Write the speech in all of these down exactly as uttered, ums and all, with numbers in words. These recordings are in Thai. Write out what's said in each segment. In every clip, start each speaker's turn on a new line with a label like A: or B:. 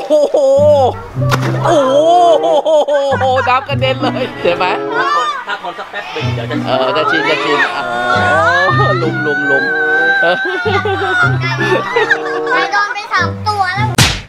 A: โหโอ้โหดับกระเด็นเลยเห็นไหม
B: ถ้าคนสักแป๊บหนึ่งเดี๋ยวจะ
A: เออจะชินจะชินลุมลุมลุม
C: ไปโดนไปสามตัวแล้ว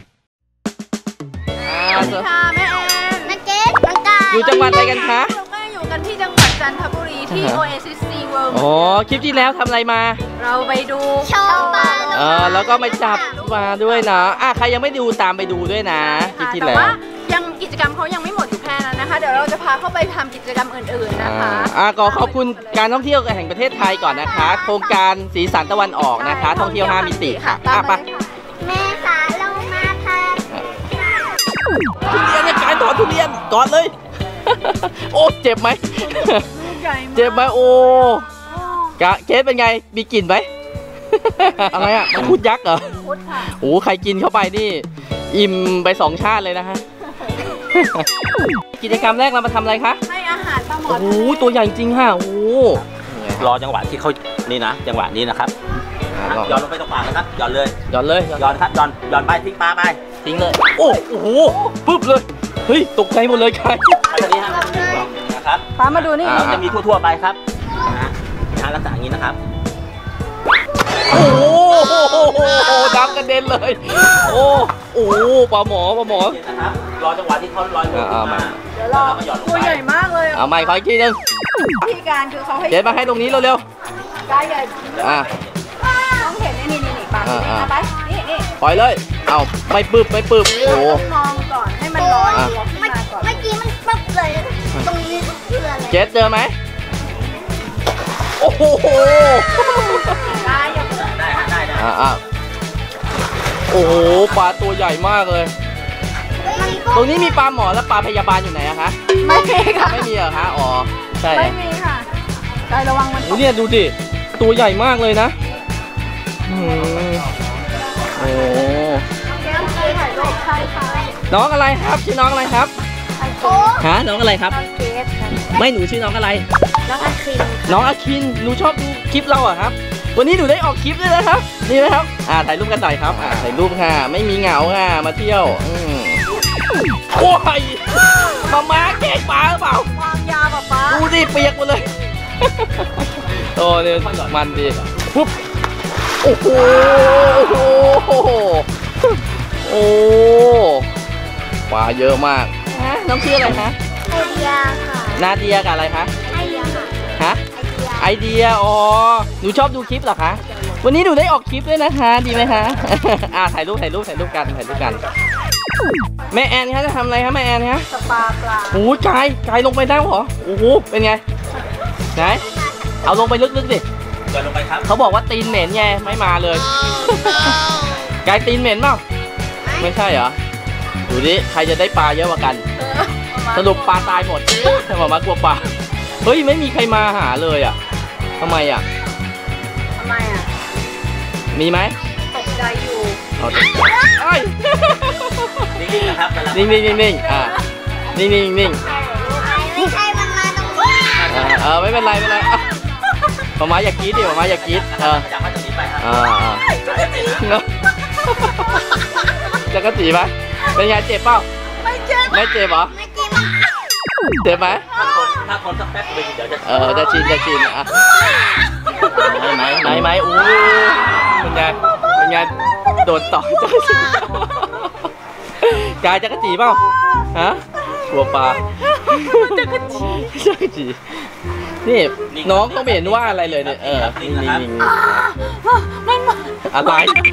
D: ค่ะแม่แอน
C: แม่เจ๊น้องกา
A: อยู่จังหวัดอะไรกันคะ
D: เราก็อยู่กันที่จังหวัดจันทบุรีที่ Oasis Sea World
A: อ๋อคลิปที่แล้วทำอะไรมา
D: เราไปดู
C: โชว์ปลา
A: เออแล้วก็ไปจับมาด้วยนะอ่ะใครยังไม่ดูตามไปดูด้วยนะคลิปที่แล้ว
D: แต่ว่ายังกิจกรรมเขายังไม่หมดอยู่แค่นั้นนะคะเดี๋ยวเราจะพาเข้าไปทำกิจกรรมอื่นๆนะคะ
A: อ่าก็ขอบคุณการท่องเที่ยวแห่งประเทศไทยก่อนนะคะโครงการสีสันตะวันออกนะคะท่องเที่ยวห้ามิติค่ะอ่ะไป
C: แม่สาลงมาพา
A: ทุเรียนเนี่ยกายถอนทุเรียนก่อนเลยโอ้เจ็บไหมเจ็บไหมโอ้กะเคสเป็นไงมีกลิ่นไหมอะไรอ่ะมังคุดยักษ์เหรอโอ้ใครกินเข้าไปนี่อิ่มไปสองชาติเลยนะฮะกิจกรรมแรกเรามาทำอะไรคะ
D: ให้อาหารปลาหมอ
A: โอ้ตัวใหญ่จริงฮะโอ้
B: รอจังหวะที่เขานี่นะจังหวะนี้นะครับย้อนลงไปตรงปากนะครับย้อนเลย
A: ย้อนเลย
B: ย้อนครับย้อนย้อนไปทิ้งปลาไป
A: ทิ้งเลยโอ้โหปึ๊บเลยเฮ้ยตกใจหมดเลยใคร
B: อันนี้ฮะนะครับ
D: ปลามาดูนี่
B: จะมีทั่วๆไปครับทางลักษณะอย่างนี้นะครับ
A: โอ้โหดับกระเด็นเลยโอ้โหปลาหมอปลาหมอ
B: นะครับรอจังหวะที่เขาลอย
D: มาเดี๋ยวรอตัวใหญ่มากเลย
A: เอาใหม่ขออีกทีนึง
D: วิธีการคือเขาให้
A: เดี๋ยวมาให้ตรงนี้เร็วๆ
D: กายใหญ่อ่ะต้องเห็นนี่นี่นี่ปลาไปนี่นี่
A: ปล่อยเลยเอาไม่ปึ๊บไม่ปึ๊บโอ้
D: มองก่อนให้มันลอยตัวขึ้นมาก่อน
C: เมื่อกี้มันปึ๊บเลยตรงนี้เพื่ออะไร
A: เจสเจอไหมโอ้โห
D: ได้ยัง
B: ได้ได้ได้
A: อ่าโอ้โหปลาตัวใหญ่มากเลยตรงนี้มีปลาหมอและปลาพยาบาลอยู่ไหนอะคะ
D: ไม่มีค่ะ
A: ไม่มีเหรอคะอ๋อใช่
D: ไม่มีค่ะกายระวังมัน
A: เนี่ยดูดิตัวใหญ่มากเลยนะโอ้น้องอะไรครับชื่อน้องอะไรครับฮะน้องอะไรครับไม่หนูชื่อน้องอะไร
D: น้องอาคิน
A: น้องอาคินหนูชอบดูคลิปเราอะครับวันนี้หนูได้ออกคลิปด้วยนะครับนี่นะครับอ่าถ่ายรูปกันหน่อยครับอ่าถ่ายรูปค่ะไม่มีเหงาค่ะมาเที่ยวโอ้ยมาม้าแกล้งปลาหรือเปล่าว
D: างยาปะป๊า
A: ดูดิเปียกหมดเลยโอ้เนี่ยมันดีปุ๊บโอ้โหโอ้โหโอ้ปลาเยอะมากน้องชื่ออะไรคะ
C: ไอเดียค่ะ
A: นาเดียกับอะไรคะ
C: ไอเดียค่ะ
A: ฮะไอเดียอ๋อหนูชอบดูคลิปเหรอคะวันนี้หนูได้ออกคลิปด้วยนะคะดีไหมคะอ่าถ่ายรูปถ่ายรูปถ่ายรูปกันถ่ายรูปกันแม่แอนคะจะทำอะไรคะแม่แอนคะ
D: สปาปลา
A: โอ้ยกายกายลงไปได้เหรอโอ้โหเป็นไงไหนเอาลงไปลึกๆดิ
B: ย้อนลงไปครับ
A: เขาบอกว่าตีนเหม็นไงไม่มาเลยกายตีนเหม็นเปล่าไม่ใช่เหรอดูดิใครจะได้ปลาเยอะกว่ากันสรุปปลาตายหมดแต่หมามากลัวปลาเฮ้ยไม่มีใครมาหาเลยอ่ะทำไมอ่ะ
D: ทำไมอ่ะ
A: มีไหม
D: ตกใจอยู่
A: เอาเอ้ย
B: นิ่งๆนะครับ
A: นิ่งๆนิ่งๆอ่านิ่งๆนิ่ง
C: ๆไม่ใช่มันมาตรงนี้
A: เออไม่เป็นไรไม่เป็นไรหมาอยากกรี๊ดดิหมาอยากกรี๊ดเออ
B: อยากให้ตรงนี้ไปครับ
A: อ่าจะกระจีไหมเป็นไงเจ็บเปล่า
D: ไม่เจ็บ
A: ไม่เจ็บเหรอ
C: ไม่เจ็บ
A: เจ็บไหม
B: ถ้าคนสักแป๊บหนึ่งเดี๋ยวจะ
A: เออจะชินจะชินอ่ะไหนไหนไหนโอ้เป็นไงเป็นไงโดดต่อจะกระจีกายจะกระจีเปล่าฮะกลัวปลา
D: จะกระจี
A: จะกระจีนี่น้องก็ไม่เห็นว่าอะไรเลยเนี่ยเออนิ่งๆ
D: มัน
A: อะไร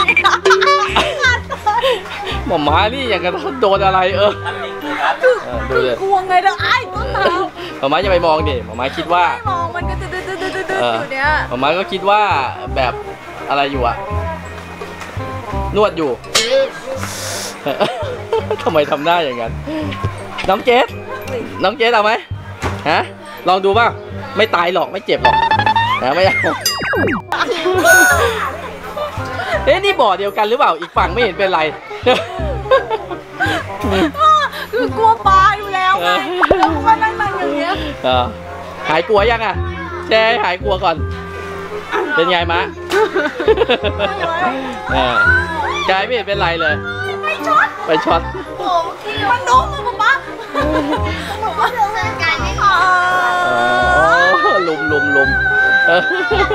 A: หมอม้านี่อย่างกับโดนอะไรเออ
D: ดูเลยกลัวไงเด้อไอ้ต้นหนาว
A: หมอม้าจะไปมองดิหมอม้าคิดว่า
D: ไม่มองมันก็ดื้อๆๆๆอยู่เนี้ย
A: หมอม้าก็คิดว่าแบบอะไรอยู่อะนวดอยู่ทำไมทำหน้าอย่างนั้นน้องเจสน้องเจสเอาไหมฮะลองดูบ้างไม่ตายหรอกไม่เจ็บหรอกนะไม่เอาเอ๊ะนี่บ่อเดียวกันหรือเปล่าอีกฝั่งไม่เห็นเป็นไร
D: คือกลัวปลาอยู่แล้วไงแล้วก็นั่งๆอย่างเงี้ย
A: หายกลัวยังอ่ะแช่หายกลัวก่อนเป็นไงมะกายไม่เห็นเป็นไรเลย ไปช็อต ไปช็อต
D: โอ้ยมันนุ่มเลยป๊าป๊า
C: หนูก็รู้เหมือนกันไม่พอ
A: ลุมลุมลุมเออ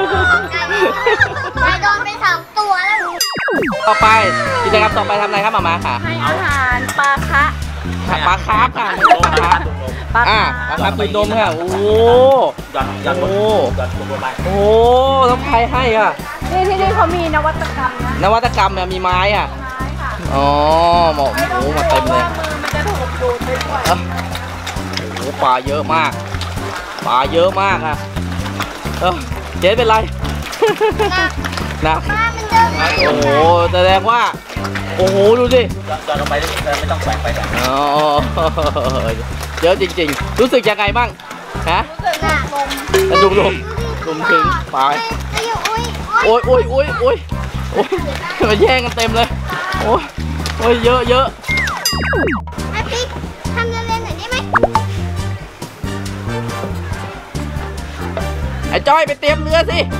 C: ไปโดนไปสองตัวแล้ว
A: ต่อไปกิจกรรมต่อไปทำอะไรครับหมามาค่ะ
D: ให้อาหารปลาคะ
A: ปลาคาร์ฟค่ะไม่ใช่ปลาคาร์ฟ
D: ปลา
A: อ่ะ
D: คะ
A: ปลาคาร์ฟดูดนมค่ะ โอ้โห
B: หย่อนหย่อนลง
A: โอ้
B: หย่อนลงลงไป
A: โอ้ต้องใครให้ค่ะ
D: นี่ที่นี่เขามีนวัตกรรมนะ
A: นวัตกรรมเนี่ยมีไม้อ่ะ
D: ไม้ค่ะ
A: อ๋อหมอกโอ้โหมาเต็มเลย
D: ว่ามือมันจะถูกดูดไปด้วย
A: เอ้าโอ้โหปลาเยอะมาก ปลาเยอะมากอ่ะเออเจ๊เป็นไร นะ
C: ป้ามันเดินมา
A: โอ้โหแสดงว่า โอ้โห ดูสิ
B: หย่อนหย่อนลงไปเลยไม่ต้องแกว่งไปแกว่งมา
A: อ๋อเยอะจริงๆ รู้สึกยังไงบ้างฮะ
D: รู้สึกหนักลม
A: กระดุมลมลมถึงไป
C: จะอยู่อุ้ย
A: โอ้ยโอ้ยโอ้ยโอ้ยโอ้ยมาแย่งกันเต็มเลย โอ้ยโอ้ยเยอะเยอะ
C: ไอ้ปิ๊กทำเล่นๆหน่อยได้ไหม
A: ไอ้จ้อยไปเตรียมเรือสิ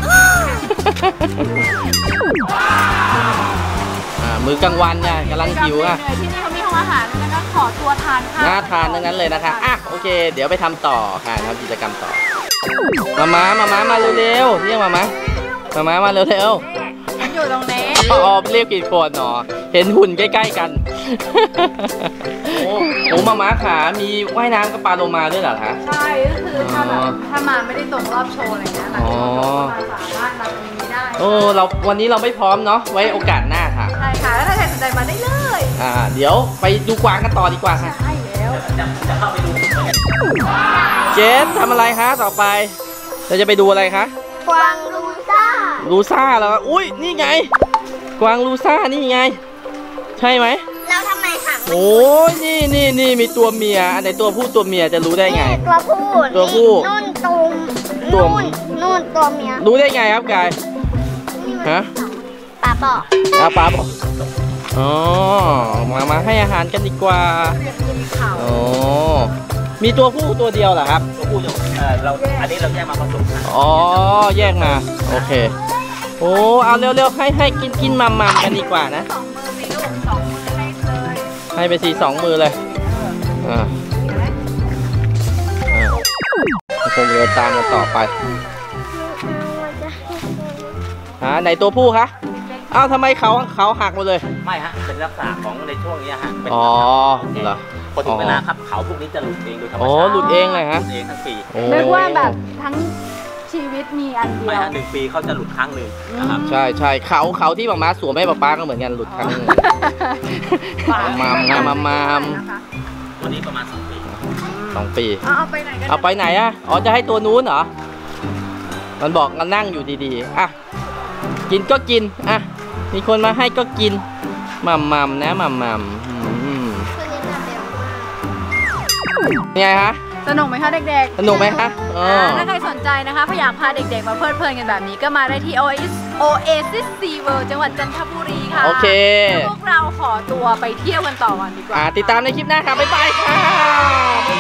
A: อ่ามื้อกลางวันเนี่ยกำลังหิวอ่ะ
D: เหนื่อยที่นี่เขามีห้องอาหารแล้วก็ขอตัวทานข้าว
A: น่าทานทั้งนั้นเลยนะคะ อ่ะโอเค เดี๋ยวไปทำต่อค่ะทำกิจกรรมต่อ มาม้ามาม้ามาเร็วๆเรียกมาม้ามาม้ามาเร็ว
D: มันอยู่ตรงนี้
A: ๆอ๋อเรียกกี่คนหนอเห็นหุ่นใกล้ๆกัน โอ้โหมาม้าขามีว่ายน้ำกับปลาโลมาด้วยเหรอคะ
D: ใช่ก็คือถ้าแบ
A: อ๋
D: บ
A: อ
D: ถ้ามาไม่ได้ตรงรอบโชว์อะไรเงี้ยหลัง
A: อ๋อ
D: จากโชว์มาสามารถมาตรงนี้ได้
A: โอ้เราวันนี้เราไม่พร้อมเนาะไว้โอกาสหน้าค่ะ
D: ใช่ค่ะแล้วถ้าใครสนใจมาได้เลย
A: อ่า เดี๋ยวไปดูกวางกันต่อดีกว่าค่ะ
D: ใช่แล้ว
B: จะจะเข้าไปดู
A: เจสทำอะไรคะต่อไป เราจะไปดูอะไรคะ
C: กวางลูซ่า
A: ลูซ่าเหรออุ้ยนี่ไง กวางลูซ่านี่ไง ใช่ไหม
C: แล้วทำไมหาง
A: โอ้ยนี่นี่นี่มีตัวเมียอันไหนตัวผู้ตัวเมียจะรู้ได้ไง
C: นี่ตัวผู้
A: ตัวผู้
C: นู่นตูม
A: ตัว
C: นู่นนู่นตัวเมีย
A: รู้ได้ไงครับกายฮะ
C: ป้าบอก
A: อาปลาบอกอ๋อมามาให้อาหารกันดีกว่า
D: เรียกกินเขา
A: โอ้มีตัวผู้ตัวเดียวเหรอครับ
B: ตัวผู้จะเอ่อเราอันนี้เราแยกมาผสมกัน
A: อ๋อแยกมาโอเคโอ้เอาเร็วๆให้ให้กินกินมัมมัมกันดีกว่านะ
D: สองมือมีลูกสองมือให้เลย
A: ให้ไปสีสองมือเลยอ่าอ่าคงเดินตามกันต่อไปฮะไหนตัวผู้คะเอ้าทำไมเขาเขาหักหมดเลย
B: ไม่ฮะเป็นลักษณะของในช่วงนี้ฮะเป็น
A: อ๋อเหรอ
B: พอถึงเวลาครับเขาพวกนี้จะหลุดเองโดยธรรม
A: อ๋อ
B: ชาติ
A: หลุดเองเลย
B: ห
A: ฮะ
B: ลุดเองทั้งปี
A: โอ้
D: นึกว่าแบบทั้งชีวิตมีอันเดี
B: ไม่
D: ยว
B: ฮะหนึ่งปีเขาจะหลุดครั้งหนึ่งนะครับ
A: ใช่ใช่เขาเขาที่มามาสวมให้ป๊าป๊าก็เหมือนกันหลุดครั้งหนึง มามงามมามาม
B: วันนี้ประมาณสองปี
A: สองปี
D: เอาเอาไปไหนกัน
A: เอาไปไหนอะอ๋อจะให้ตัวนู้นเหรอ มันบอกมันนั่งอยู่ดีๆ อ่ะ กินก็กิน อ่ะ มีคนมาให้ก็กินมัมมัมนะมัมมัมอืม
C: คนนี้น่าเร็วมาก
A: ไงฮะ
D: สนุกไหมคะเด็กๆ
A: สนุกไหมคะอ๋อ
D: ถ้าใครสนใจนะคะพยายามพาเด็กๆมาเพลิดเพลินกันแบบนี้ก็มาได้ที่ Oasis Oasis Sea World จังหวัดจันทบุรีค่ะ
A: โอเค
D: พวกเราขอตัวไปเที่ยวกันต่อก่อนดีกว่า
A: อ่าติดตามในคลิปหน้าค่ะ บ๊ายบายค่ะ